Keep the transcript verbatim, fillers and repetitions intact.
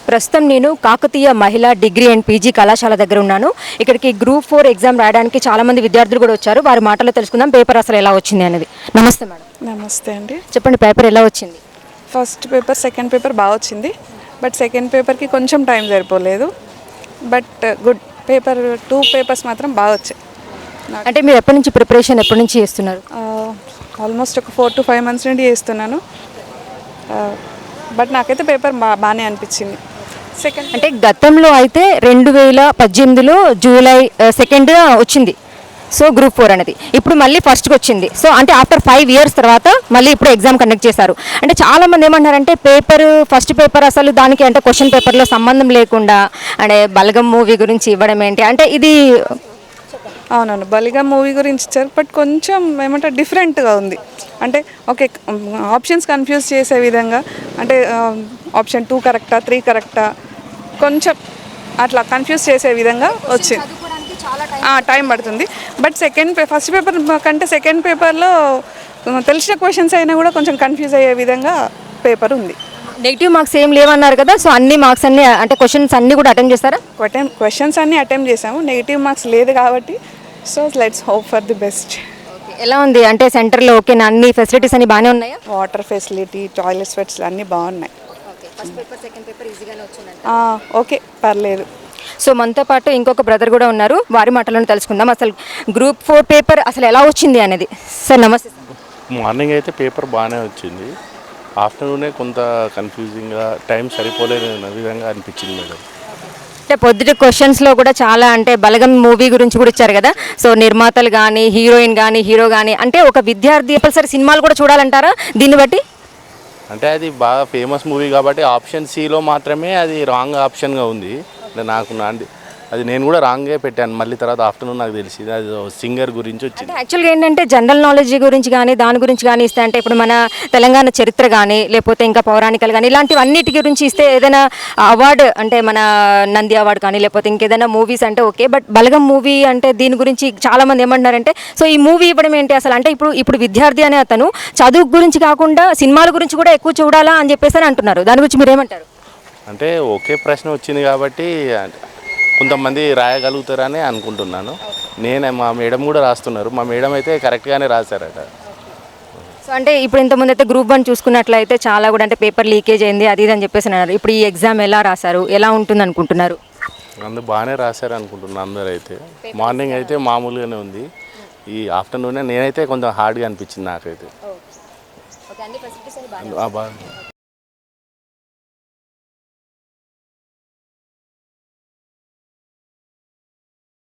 ప్రస్తుతం నేను కాకతీయ మహిళా డిగ్రీ అండ్ పీజీ కళాశాల దగ్గర ఉన్నాను. ఇక్కడికి గ్రూప్ ఫోర్ ఎగ్జామ్ రాయడానికి చాలామంది విద్యార్థులు కూడా వచ్చారు. వారి మాటల్లో తెలుసుకుందాం పేపర్ అసలు ఎలా వచ్చింది అనేది. నమస్తే మేడం. నమస్తే అండి. చెప్పండి, పేపర్ ఎలా వచ్చింది? ఫస్ట్ పేపర్ సెకండ్ పేపర్ బాగా వచ్చింది, బట్ సెకండ్ పేపర్కి కొంచెం టైం సరిపోలేదు. But good paper two papers మాత్రం బాగా వచ్చాయి. అంటే మీరు ఎప్పటి నుంచి ప్రిపరేషన్ ఎప్పటి నుంచి చేస్తున్నారు? ఆల్మోస్ట్ ఒక ఫోర్ టు ఫైవ్ మంత్స్ నుండి చేస్తున్నాను. బట్ నాకైతే పేపర్ బా బాగానే అనిపించింది. సెకండ్ అంటే గతంలో అయితే రెండు వేల పద్దెనిమిదిలో జూలై సెకండ్ వచ్చింది సో గ్రూప్ ఫోర్ అనేది. ఇప్పుడు మళ్ళీ ఫస్ట్కి వచ్చింది. సో అంటే ఆఫ్టర్ ఫైవ్ ఇయర్స్ తర్వాత మళ్ళీ ఇప్పుడు ఎగ్జామ్ కండక్ట్ చేశారు. అంటే చాలామంది ఏమంటారంటే పేపర్ ఫస్ట్ పేపర్ అసలు దానికి అంటే క్వశ్చన్ పేపర్లో సంబంధం లేకుండా అంటే బలగం మూవీ గురించి ఇవ్వడం ఏంటి అంటే ఇది. అవునవును, బలిగా మూవీ గురించి ఇచ్చారు, బట్ కొంచెం ఏమంటారు డిఫరెంట్గా ఉంది. అంటే ఓకే, ఆప్షన్స్ కన్ఫ్యూజ్ చేసే విధంగా, అంటే ఆప్షన్ టూ కరెక్టా త్రీ కరెక్టా కొంచెం అట్లా కన్ఫ్యూజ్ చేసే విధంగా వచ్చింది. టైం పడుతుంది. బట్ సెకండ్ పే ఫస్ట్ పేపర్ కంటే సెకండ్ పేపర్లో తెలిసిన క్వశ్చన్స్ అయినా కూడా కొంచెం కన్ఫ్యూజ్ అయ్యే విధంగా పేపర్ ఉంది. నెగిటివ్ మార్క్స్ ఏం లేవన్నారు కదా, సో అన్ని మార్క్స్ అన్ని అంటే క్వశ్చన్స్ అన్ని కూడా అటెంప్ట్ చేస్తారా? క్వశ్చన్స్ అన్ని అటెంప్ట్ చేసాము, నెగిటివ్ మార్క్స్ లేదు కాబట్టి so let's hope for the best. ఎలా ఉంది అంటే సెంటర్లో ఓకేనా, అన్ని ఫెసిలిటీస్ అన్ని బాగానే ఉన్నాయా? వాటర్ ఫెసిలిటీ, టాయిలెట్ ఫెసిలిటీ అన్నీ బాగున్నాయి. ఓకే, పర్లేదు. సో మనతో పాటు ఇంకొక బ్రదర్ కూడా ఉన్నారు, వారి మాటలను తెలుసుకుందాం అసలు గ్రూప్ ఫోర్ పేపర్ అసలు ఎలా వచ్చింది అనేది. సార్ నమస్తే. మార్నింగ్ అయితే పేపర్ బాగానే వచ్చింది, ఆఫ్టర్నూనే కొంత కన్ఫ్యూజింగ్గా టైం సరిపోలేని విధంగా అనిపించింది మేడం. అంటే పొద్దుట క్వశ్చన్స్లో కూడా చాలా అంటే బలగం మూవీ గురించి కూడా ఇచ్చారు కదా, సో నిర్మాతలు కానీ హీరోయిన్ కానీ హీరో కానీ అంటే ఒక విద్యార్థి కంపల్సరీ సినిమాలు కూడా చూడాలంటారా దీన్ని బట్టి? అంటే అది బాగా ఫేమస్ మూవీ కాబట్టి ఆప్షన్ సిలో మాత్రమే అది రాంగ్ ఆప్షన్గా ఉంది. నాకు నాంది అది నేను కూడా రాంగే పెట్టాను, మళ్ళీ తర్వాత ఆఫ్టర్నూన్ నాకు తెలిసింది అది సింగర్ గురించి వచ్చింది. యాక్చువల్గా ఏంటంటే జనరల్ నాలెడ్జ్ గురించి కానీ దాని గురించి కానీ ఇస్తే అంటే ఇప్పుడు మన తెలంగాణ చరిత్ర కానీ లేకపోతే ఇంకా పౌరాణికలు కానీ ఇలాంటివన్నిటి గురించి ఇస్తే ఏదైనా అవార్డు అంటే మన నంది అవార్డు కానీ లేకపోతే ఇంకేదైనా మూవీస్ అంటే ఓకే, బట్ బలగం మూవీ అంటే దీని గురించి చాలామంది ఏమంటున్నారంటే సో ఈ మూవీ ఇవ్వడం ఏంటి అసలు అంటే ఇప్పుడు ఇప్పుడు విద్యార్థి అనే అతను చదువు గురించి కాకుండా సినిమాల గురించి కూడా ఎక్కువ చూడాలా అని చెప్పేసి అని అంటున్నారు. దాని గురించి మీరు ఏమంటారు? అంటే ఒకే ప్రశ్న వచ్చింది కాబట్టి కొంతమంది రాయగలుగుతారని అనుకుంటున్నాను. నేను మా మేడం కూడా రాస్తున్నారు, మా మేడం అయితే కరెక్ట్గానే రాశారట. సో అంటే ఇప్పుడు ఇంతకుముందు అయితే గ్రూప్ వన్ చూసుకున్నట్లయితే చాలా కూడా అంటే పేపర్ లీకేజ్ అయింది అది ఇది అని చెప్పేసి అన్నారు. ఇప్పుడు ఈ ఎగ్జామ్ ఎలా రాశారు, ఎలా ఉంటుంది అనుకుంటున్నారు? అందరూ బాగానే రాశారు అనుకుంటున్నాను. అందరూ అయితే మార్నింగ్ అయితే మామూలుగానే ఉంది, ఈ ఆఫ్టర్నూనే నేనైతే కొంచెం హార్డ్గా అనిపించింది నాకైతే. ఓకే, అన్ని ఫెసిలిటీస్ బాగా